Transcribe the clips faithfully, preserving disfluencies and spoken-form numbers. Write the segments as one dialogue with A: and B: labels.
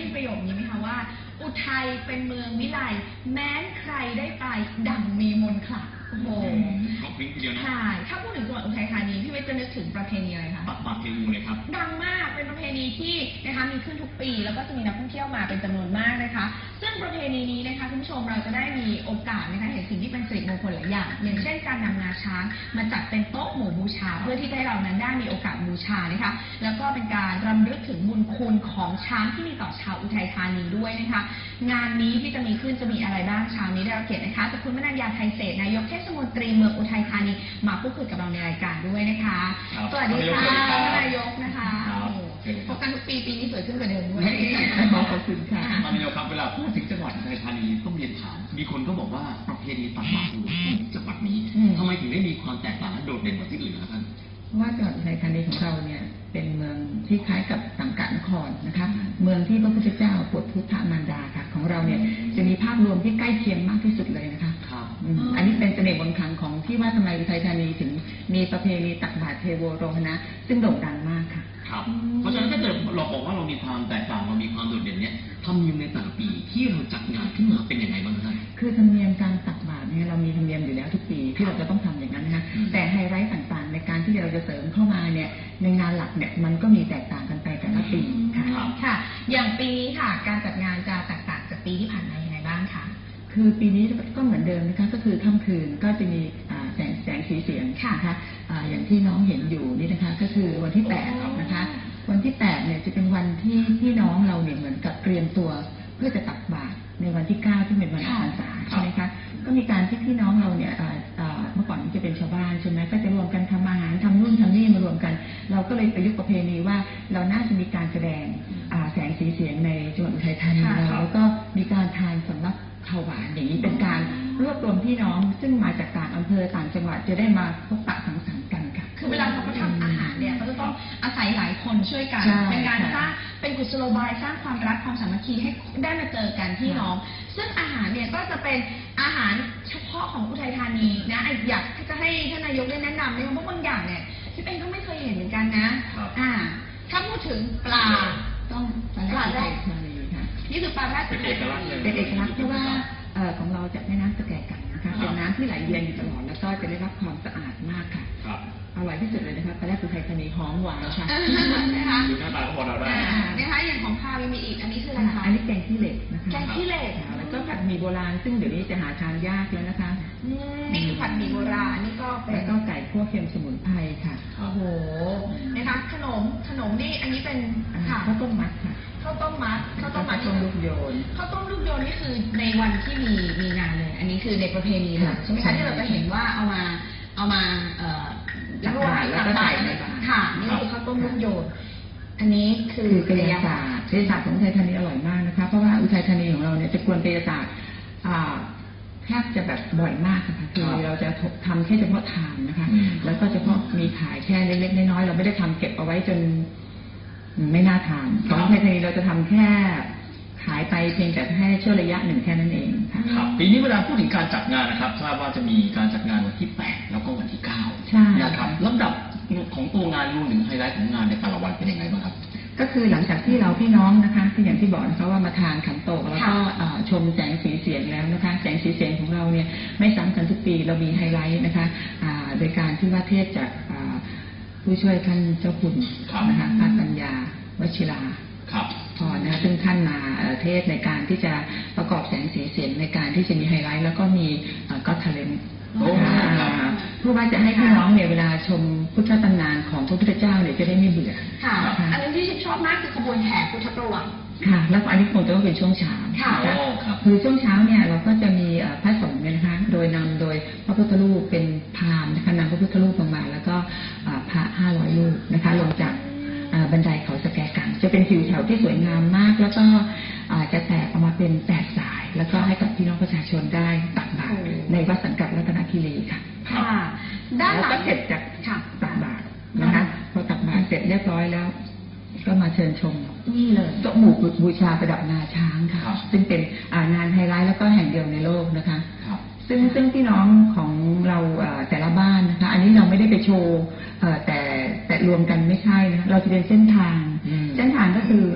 A: ยินประโยคนี้ไหมคะว่าอุทัยเป็นเมืองวิไลแม้นใครได้ไปดั่งมีมนต์ขลังโอ้โห
B: ก็พริ้งทีเดียวนะ
A: ใช่ถ้าพูดถึงจังหวัดอุทัยธานีพี่เวทจะนึกถึงประเพณีอะไรคะ
B: ตักบาตรเทงูเลยครับ
A: ดังมากเป็นประเพณีที่นะคะมีขึ้นทุกปีแล้วก็จะมีนักท่องเที่ยวมาเป็นจำนวนมากนะคะซึ่งประเพณีนี้นะคะคุณผู้ชมเราจะได้มีโอกาสนะคะเห็นสิ่งที่เป็นสิริมงคลหลายอย่างอย่างเช่นการนำงาช้างมาจัดเป็นโต๊ะหมู่บูชาเพื่อที่จะให้เรานั้นได้มีโอกาสบูชานะคะแล้วก็เป็นการรำลึกถึงบุญคุณของช้างที่มีต่อชาวอุทัยธานีด้วยนะคะงานนี้ที่จะมีขึ้นจะมีอะไรบ้างเช้านี้ได้รับเกียรตินะคะจากคุณมนัญญาไทยเศรษฐ์นายกเทศมนตรีเมืองอุทัยธานีมาพูดคุยกับเราในรายการด้วยนะคะสวัสดีค่ะท่านนายกนะคะพบกันทุกปีปีนี้สวยขึ้นกว่าเดิมด้วย
C: ขอบคุณค่ะ
B: ท่านนายกครับเวลาพูดถึงจังหวัดอุทัยธานีต้องเรียนถามมีคนก็บอกว่าประเพณีตักบาตรจังหวัดนี้ทำไมถึงได้มีความแตกต่างและโดดเด่นกว่าที่อื่นครับท่าน
C: ว่าจังหวัดอุทัยธานีของเราเนี่ยเป็นเมืองที่คล้ายกับสังกัดนครนะคะเมืองที่พระพุทธเจ้าโปรดพุทธมารดาค่ะของเราเนี่ยจะมีภาพรวมที่ใกล้เคียงมากที่สุดเลยนะคะอันนี้เป็นเสน่ห์บนครั้งของที่ว่าทำไมอุทัยธานีถึงมีประเพณีตักบาตรเทโวโรหณะซึ่งโด่งดังมากค่ะ
B: ครับเพราะฉะนั้นถ้าเกิดเราบอกว่าเรามีความแตกต่างเรามีความโดดเด่นเนี่ยธรรมเนียมในแต่ละปีที่เราจัดงานขึ้นมาเป็นยังไงบ้างครับ
C: คือธรรมเนียมการตักบาตรเนี่ยเรามีธรรมเนียมอยู่แล้วทุกปีที่เราจะต้องทำอย่างนั้นนะคะแต่ไฮไลท์ต่างๆในการที่เราจะเสริมเข้ามาเนี่ยในงานหลักเนี่ยมันก็มีแตกต่างกันไปแต่ละปีค่ะ
A: ค่ะอย่างปีนี้ค่ะการจัดงานจะแตกต่างจากปีที่ผ่านมายังไงบ้างคะ
C: คือปีนี้ก็เหมือนเดิมนะคะก็คือค่ำคืนก็จะมีแสงแสงสีเสียงนะคะอย่างที่น้องเห็นอยู่นี่นะคะก็คือวันที่แปดนะคะวันที่แปดเนี่ยจะเป็นวันที่พี่น้องเราเนี่ยเหมือนกับเตรียมตัวเพื่อจะตักบาตรในวันที่เก้าที่เป็นวันออกพรรษาใช่ไหมคะก็มีการที่พี่น้องเราเนี่ยเมื่อก่อนจะเป็นชาวบ้านใช่ไหมก็จะรวมกันทำอาหารทำนู่นทำนี่มารวมกันเราก็เลยประยุกต์ประเพณีว่าเราน่าจะมีการแสดงแสงสีเสียงในจังหวัดอุทัยธานีแล้วก็มีการทานสำรับข้าวหวานอย่างนี้เป็นการรวบรวมพี่น้องซึ่งมาจากต่างอำเภอต่างจังหวัดจะได้มาพบปะสังสรรค์กันค่ะ
A: คือเวลาเขาทำอาหารเนี่ยเขาจะต้องอาศัยหลายคนช่วยกันเป็นการสร้างเป็นกุศโลบายสร้างความรักความสามัคคีให้ได้มาเจอกันพี่น้องซึ่งอาหารเนี่ยก็จะเป็นอาหารเฉพาะของอุทัยธานีนะอยากจะให้ท่านนายกได้แนะนำเนี่ยเพราะบางอย่างเนี่ยที่เป็นก็ไม่เคยเห็นเหมือนกันนะอ่าถ้าพูดถึงปลา
C: ต้องปลาแรก
A: นี่คือปลาแรก
B: เป็นเอกลักษณ์
C: เป็นเอกลักษณ์เพราะว่าของเราจากแม่น้ำสแกกันนะคะเป็นน้ำที่ไหลเวียนอยู่ตลอดแล้วก็จะได้รับความสะอาดมากค่ะอร่อยที่สุดเลยนะคะปลาแรกอุทัยธานีหอมหวานค่ะ
A: นะคะ
B: ดูหน้าตาก็พอเราได้
A: นะคะอย่างของข้าวมีอีกอันนี้คืออะไรคะ
C: อันนี้แกงขี้เหล็กนะคะ
A: แกงขี้เหล็ก
C: แล้วก็ผัดหมี่โบราณซึ่งเดี๋ยวนี้จะหาทานยากแล้วนะคะ
A: นี่คือผัดหมี่โบราณนี่ก็เป็น
C: แล้วก็ไก่คั่วเค็มสมุนไพรค่ะ
A: โอ้โหนะคะขนมขนมนี่อันนี้เป็น
C: ข้าวต้มมัดค่ะ
A: ข้าวต้มมัดข้าวต้มมัด
C: ข้าวต้มลูกโยน
A: ข้าวต้มลูกโยนนี่คือในวันที่มีมีงานเลยอันนี้คือในประเพณีเลยใช่ไหมคะที่เราจะเห็นว่าเอามาเอามาเอ่อ
C: แล้วก็แล้วก็ใส่ในบาตร
A: ค่ะนี่คือข้าวต้มลูกโยนอันนี้คือก
C: ายศาสตร์กายศาสตร์ของอุทัยธานีอร่อยมากนะคะเพราะว่าอุทัยธานีของเราเนี่ยจะกวนกายศาสตร์แทบจะแบบบ่อยมากนะคะคือเราจะทำแค่เฉพาะทานนะคะแล้วก็เฉพาะมีขายแค่เล็กๆน้อยๆเราไม่ได้ทำเก็บเอาไว้จนไม่น่าทานของอุทัยธานีเราจะทำแค่ขายไปเพียงแต่แค่ช่วงระยะหนึ่งแค่นั้นเองค่ะ
B: ครับปีนี้เวลาพูดถึงการจัดงานนะครับทราบว่าจะมีการจัดงานวันที่แปดแล้วก็วันที่เก้า
C: ใช่
B: นะครับลำดับของตัวงานรวมถึงไฮไลท์ของงานในแต่ละวันเป็นยังไงบ้างครับ
C: ก็คือหลังจากที่เราพี่น้องนะคะที่อย่างที่บอกนะคะว่ามาทานขันโตกแล้วก็ชมแสงสีเสียงแล้วนะคะแสงสีเสียงของเราเนี่ยไม่ซ้ำกันทุกปีเรามีไฮไลท์นะคะโดยการที่ว่าเทศจากผู้ช่วยท่านเจ้าคุณนะคะพระปัญญาวชิราพอนะซึ่งท่านมาเทศในการที่จะประกอบแสงสีเสียงในการที่จะมีไฮไลท์แล้วก็มีก็ทะเลนเพื่อว่าจะให้พี่น้องเนี่ยเวลาชมพุทธตำนานของพระพุทธเจ้าเนี่ยจะได้ไม่เบื่อ
A: ค่ะอันนี้ที่ฉันชอบมากคือขบวนแห่พุทธประวัติ
C: ค่ะแล้วอันนี้คงจะต้องเป็นช่วงเช้าค่ะคือช่วงเช้าเนี่ยเราก็จะมีพระสงฆ์เนี่ยนะคะโดยนำโดยพระพุทธรูปเป็นพราหมณ์นะคะนำพระพุทธรูปลงมาแล้วก็พระห้าร้อยรูปนะคะลงจากบันไดเขาสแกกังจะเป็นทิวแถวที่สวยงามมากแล้วก็จะแตกออกมาเป็นแปดสายแล้วก็ให้กับพี่น้องประชาชนได้ตักบาตรในวัดสังกัดรัตนคีรีค่ะ
A: ค่ะด้านหลัง
C: ก็เสร็จจากตักบาตรนะคะพอตักบาตรเสร็จเรียบร้อยแล้วก็มาเชิญชม
A: นี่เลย
C: โต๊ะหมู่บูชาประดับงาช้างค่ะซึ่งเป็นงานไฮไลท์แล้วก็แห่งเดียวในโลกนะคะซึ่งซึ่งพี่น้องของเราแต่ละบ้านนะคะอันนี้เราไม่ได้ไปโชว์แต่แต่รวมกันไม่ใช่นะเราจะเป็นเส้นทางเส้นทางก็คือ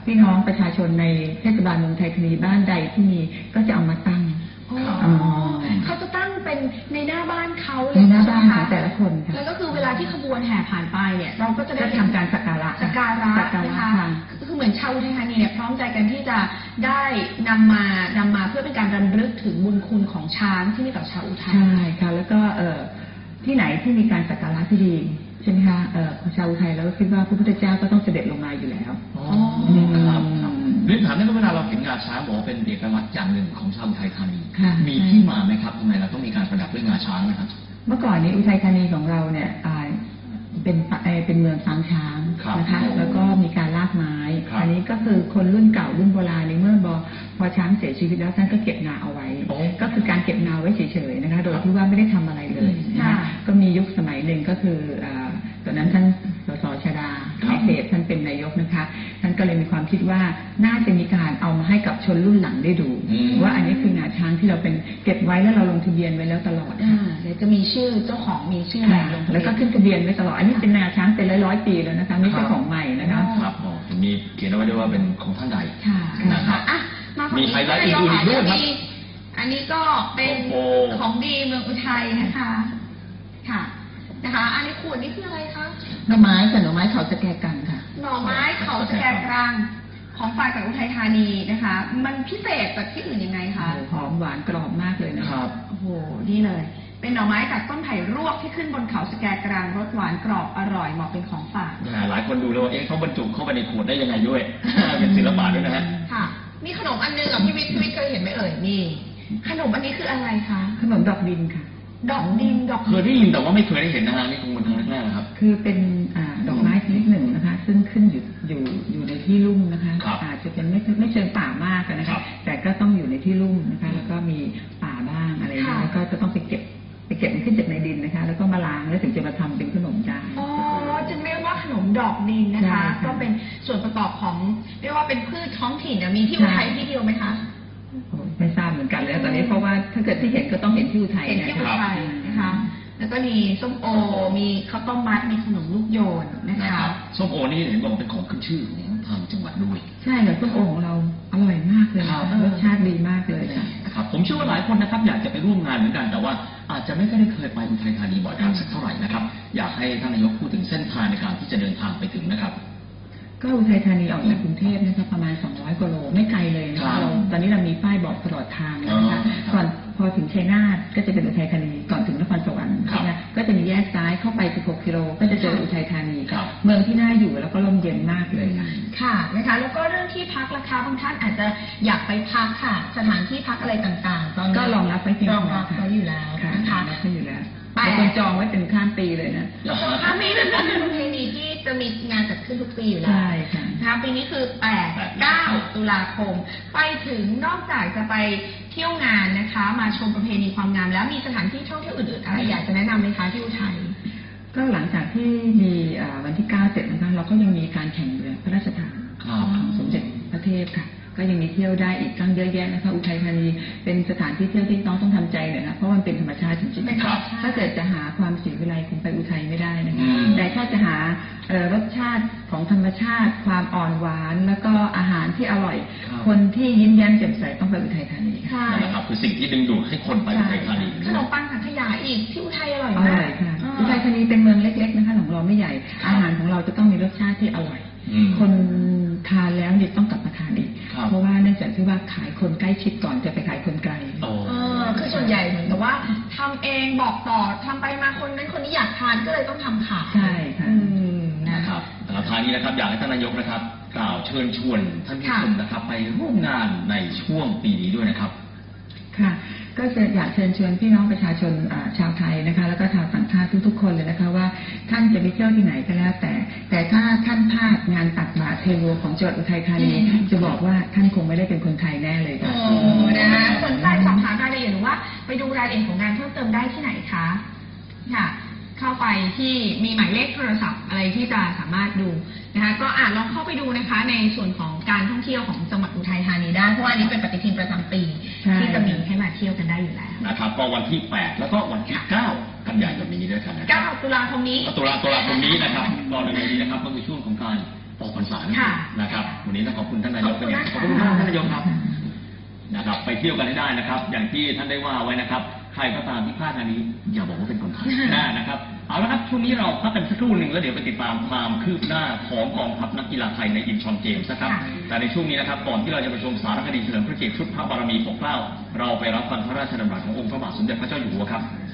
C: พี่น้องประชาชนในเทศบาลเมืองไทยธานีบ้านใดที่มีก็จะเอามาตั้ง
A: อ๋อ
C: อ๋อ
A: เขาจะตั้งเป็นในหน้าบ้านเขาเลย
C: ในหน้าบ้าน
A: ใช่
C: ของ
A: ไม
C: แต่ละคนค่ะ
A: แล้วก็คือเวลาที่ขบวนแห่ผ่านไปเนี่ยเราก็จะได้
C: ก็ทำการสักการะ
A: สักการะ
C: สักการะ
A: นะคะ
C: ค่ะ
A: คือเหมือนชาวอุทัยธานีเนี่ยพร้อมใจกันที่จะได้นำมานำมาเพื่อเป็นการรำลึกถึงบุญคุณของช้างที่มีต่อชาวอุทัย
C: ใช่ค่ะแล้วก็เอ่อที่ไหนที่มีการสักการะที่ดีใช่ไหมคะเอ่อชาวอุทัยเราก็คิดว่าพระพุทธเจ้าก็ต้องเสด็จลงมาอยู่แล้ว
B: อ๋อ
C: อืม
B: ครับครับเรียนถามได้ว่าเวลาเราเห็นงาช้างบอกว่าเป็นเอกลักษณ์อย่างหนึ่งของชาวอุทัยธานี
C: ค่ะ
B: มีที่มาไหมครับทำไมเราต้องมีการประดับด้วยงาช้างนะครับ
C: เมื่อก่อนนี้อุทัยธานีของเราเนี่ยอ่าเป็นปะเอ่อเป็นเมืองฟางช้าง
B: ครับ
C: นะคะ
B: โอ้
C: แล้วก็มีการลากไม้
B: ครับ
C: อันนี้ก็คือคนรุ่นเก่ารุ่นโบราณในเมื่อบอพอช้างเสียชีวิตแล้วท่านก็เก็บงาเอาไว้
B: โอ้
C: ก็คือการเก็บงาไว้เฉยๆนะคะ โดยที่ว่าไม่ได้ทำอะไรเลยนะคะ
A: ค่ะ
C: ก็มียุคสมัยหนึ่งก็คืออ่าตอนนั้นท่านสสชดา
B: ครับ
C: เดชท่านเป็นนายกนะคะท่านก็เลยมีความคิดว่าน่าจะมีการเอามาให้กับชนรุ่นหลังได้ดู
B: อืม
C: ว่าอันนี้คืองาช้างที่เราเป็นเก็บไว้แล้วเราลงทะเบียนไว้แล้วตลอด
A: อ่า
C: ค่ะ
A: เดี๋ยวจะมีชื่อเจ้าของมีชื่ออะไร
C: ค่ะ
A: ลงทะเบียน
C: แล้วก็ขึ้นทะเบียนไว้ตลอด อันนี้เป็นงาช้างเป็นร้อยร้อยๆปีแล้วนะคะไม่ใช่ของใหม่นะคะ
B: ครับอ๋อมีเขียนเอาไว้ด้วยว่าเป็นของท่านใด
C: ค่ะ
B: นะครับ
A: อ่ะมาฝั่ง
B: มี
A: นี้
B: ไฮไลท์อื่นๆอีกด้วยครับ
A: มีอันนี้ก็เป็น
B: โอ้
A: ของดีเมืองอุทัยนะคะ ค่ะ นะคะ อันนี้ขวดนี่คืออะไรคะ
C: หน่อไม้กับหน่อไม้เขาสแกกันค่ะ
A: หน่อไม้เขาสแกกรังของฝ่ายจากอุทัยธานีนะคะ มันพิเศษจากที่อื่นยังไงคะ
C: หอมหวานกรอบมากเลยนะ
B: ครับ
A: โอ้โห นี่เลย เป็นหน่อไม้จากต้นไผ่รวกที่ขึ้นบนเขาสแกกรังรสหวานกรอบอร่อยเหมาะเป็นของฝาก
B: อ่าหลายคนดูแล้วว่าเอ๊ะเขาบรรจุเข้าไปในขวดได้ยังไงด้วย เป็นศิลปะด้วยนะฮะ
A: ค่ะ มีขนมอันนึงอ่ะพี่วิทย์พี่วิทย์เคยเห็นไหมเอ่ย นี่ ขนมอันนี้คืออะไรคะ
C: ขนมดอกดินค่ะ
A: ดอกดิน ดอก
B: เคยได้ยินแต่ว่าไม่เคยได้เห็นนะฮะนี่คงเป็นครั้งแรกๆนะครับ
C: คือเป็นอาดอกไม้ชนิดหนึ่งนะคะ ซึ่งขึ้นอยู่อยู่อยู่ในที่ลุ่มนะคะ
B: ครับ
C: อาจจะเป็นไม่ไม่เชิงป่ามากนะ
B: ครั
C: คะ
B: บ
C: แต่ก็ต้องอยู่ในที่ลุ่มนะคะ แล้วก็มีป่าบ้างอะไรอย่างเงี้ยแล้วก็จะต้องไปเก็บไปเก็บมันขึ้นจากในดินนะคะ แล้วก็มาล้างแล้วถึงจะมาทำเป็นขนมได้
A: อ๋อ จึงเรียกว่าขนมดอกดินนะ
C: ใช่
A: คะ
C: ค่ะ
A: ก็เป็นส่วนประกอบของเรียกว่าเป็นพืชท้องถิ่นนะมีที่อุทัยที่เดียวไหมคะ
C: โอ้ไม่ทราบเหมือนกันเลยตอนนี้เพราะว่าถ้าเกิดที่เห็นก็ต้องเห็นที่อุทัย
A: เห็นที่
C: นะ
A: อุ
C: คะ
A: ทัยนะคะ แล้วก็มีส้มโอ มีข้าวต้มมัด มีขนมลูกโยนนะ
B: นะค
A: คะ
B: รับส้มโอนี่เห็นบอกว่าเป็นของขึ้นชื่อของทางจังหวัดด้วย
C: ใช่ค่ะส้มโอของเราอร่อยมากเลย
B: ครับ
C: รสชาติดีมากเลยค่ะ
B: นะครับผมเชื่อว่าหลายคนนะครับอยากจะไปร่วมงานเหมือนกันแต่ว่าอาจจะไม่ค่อยได้เคยไปอุทัยธานีบ่อยครั้งสักเท่าไหร่นะครับอยากให้ท่านนายกพูดถึงเส้นทางในการที่จะเดินทางไปถึงนะครับ
C: ก็อุทัยธานีออกจากกรุงเทพนะคะประมาณสองร้อยกว่าโลไม่ไกลเลยนะ
B: ครั
C: คะ
B: บ
C: เราตอนนี้เรามีป้ายบอกตลอดทางเลยนะคะ
B: อ๋อครับ
C: ก่อนพอถึงชัยนาทก็จะเป็นอุทัยธานีก่อนถึงนครสวรรค์
B: ครับ
C: นะคะก็จะมีแยกซ้ายเข้าไปสิบหกกิโลก็จะเจออุทัยธานี
B: ครับ
C: เมืองที่น่าอยู่แล้วก็ร่มเย็นมากเลยค่ะ
A: ค่ะนะคะ แล้วก็เรื่องที่พักราคาบางท่านอาจจะอยากไปพักค่ะ สถานที่พักอะไรต่างๆ ตอนนี้
C: ก็รองรับไว้เพียง
A: ร
C: พ
A: อง
C: อ
A: รับ
C: ค่ะ
A: ไว้อยู่แล้ว
C: ค่ะ
A: นะคะ
C: รับไว้อยู่แล้ว
A: ไป
C: บางคนจองไว้เป็นข้ามปีเลยนะ
A: ถ้ามีเป็นประเพณีที่จะมีงานจัดขึ้นทุกปีอยู่แล้ว
C: ใช่ค่ะ
A: นะคะปีนี้คือแปด เก้า ตุลาคม ไปถึงนอกจากจะไปเที่ยวงานนะคะ มาชมประเพณีความงาม แล้วมีสถานที่ท่องเที่ยวอื่นๆอะไรอยากจะแนะนำไหมคะที่อุทัย
C: ก็หลังจากที่มีอ่าวันที่เก้าเสร็จนะคะเราก็ยังมีการแข่งเรือพระราชทาน
B: ครับ
C: ของสมเด็จพระเทพค่ะ ก็ยังมีเที่ยวได้อีกตั้งเยอะแยะนะคะอุทัยธานีเป็นสถานที่เที่ยวที่น้องต้องทำใจหน่อยนะเพราะมันเป็นธรรมชาติจริง
A: เป็น
C: ๆ
A: ธรรม
C: ค่ะ
A: ชาติ
C: ถ้าเกิดจะหาความศรีวิไลคงไปอุทัยไม่ได้นะคะ
B: อืม
C: แต่ถ้าจะหาเอ่อรสชาติของธรรมชาติ ความอ่อนหวาน แล้วก็อาหารที่อร่อย
B: ครับ
C: คนที่ยิ้มแย้มแจ่มใสต้องไปอุทัยธานีค่ะ
A: ค่ะ
B: นั่นแหละครับคือสิ่งที่ดึงดูดให้คนไปอุทัยธานี
A: ขนมปังสังขยาอีกที่อุทัยอร่อย
C: อ
A: มา
C: ร่
A: ก
C: อยค่ะ
A: อ่า
C: อุทัยธานีเป็นเมืองเล็ก ๆนะคะของเราไม่ใหญ่ อาหารของเราจะต้องมีรสชาติที่อร่อย
B: อืม
C: คนทานแล้วเนี่ยต้องกลับมาทานอีก
B: ครับ
C: เพราะว่าเนื่องจากที่ว่าขายคนใกล้ชิดก่อนจะไปขายคนไกล
B: โอ้
A: เออคือส่วนใหญ่เหมือนกับว่าทำเองบอกต่อทำไปมาคนนั้นคนนี้อยากทานก็เลยต้องทำขาย
C: ใช่ค่ะ
A: อืมนะ
B: นะค
A: คะ
B: รับแล้วท้ายนี้นะครับอยากให้ท่านนายกนะครับ กล่าวเชิญชวนท่านผู้ชมนะครับ ไปร่วมงานในช่วงปีนี้ด้วยนะครับ
C: ค่ะ ก็จะอยากเชิญชวนพี่น้องประชาชนอ่าชาวไทยนะคะ แล้วก็ชาวต่างชาติทุกๆคนเลยนะคะว่าท่านจะไปเที่ยวที่ไหนก็แล้วแต่ แต่ถ้าท่านพลาดงานตักบาตรเทโวของจังหวัดอุทัยธานี
A: อืม
C: จะบอกว่าท่านคงไม่ได้เป็นคนไทยแน่เลยค่ะ
A: โอ้นะคะสนใจสอบถามรายละเอียดหรือว่าไปดูรายละเอียดของงานเพิ่มเติมได้ที่ไหนคะค่ะ เข้าไปที่มีหมายเลขโทรศัพท์อะไรที่จะสามารถดูนะคะก็อ่านลองเข้าไปดูนะคะ ในส่วนของการท่องเที่ยวของจังหวัดอุทัยธานีได้เพราะว่าอันนี้เป็นปฏิทินประจำปี
C: ใช่
A: ที่จะมีให้มาเที่ยวกันได้อยู่แล้ว
B: นะครับก็วันที่แปดแล้วก็วันที่เก้ากันยายนนี้ด้วยกันนะครั
A: เก้าตุลาคมนี้
B: ตุลาตุลาคมนี้นะครับก็ในวันนี้นะครับก็คือช่วงของการออกพรรษานั่นเอง
A: ค่ะ
B: นะครับวันนี้นี้ต้องขอบคุณท่านนายกเป็นอย่างขอบคุณมากท่านนายกครับนะครับไปเที่ยวกันให้ได้นะครับ อย่างที่ท่านได้ว่าไว้นะครับใครก็ตามที่พลาดงานนี้อย่าบอกว่าเป็นคนไทยนะนะครับเอาละครับช่วงนี้เราพักกันสักครู่หนึ่งแล้วเดี๋ยวไปติดตามความคืบหน้าของกองทัพนักกีฬาไทยในอินชอนเกมส์นะครับแต่ในช่วงนี้นะครับก่อนที่เราจะไปชมสารคดีเฉลิมพระเกียรติชุดพระบารมีปกเกล้าเราไปรับฟังพระราชดำรัสขององค์พระบาทสมเด็จพระเจ้าอยู่หัวครับ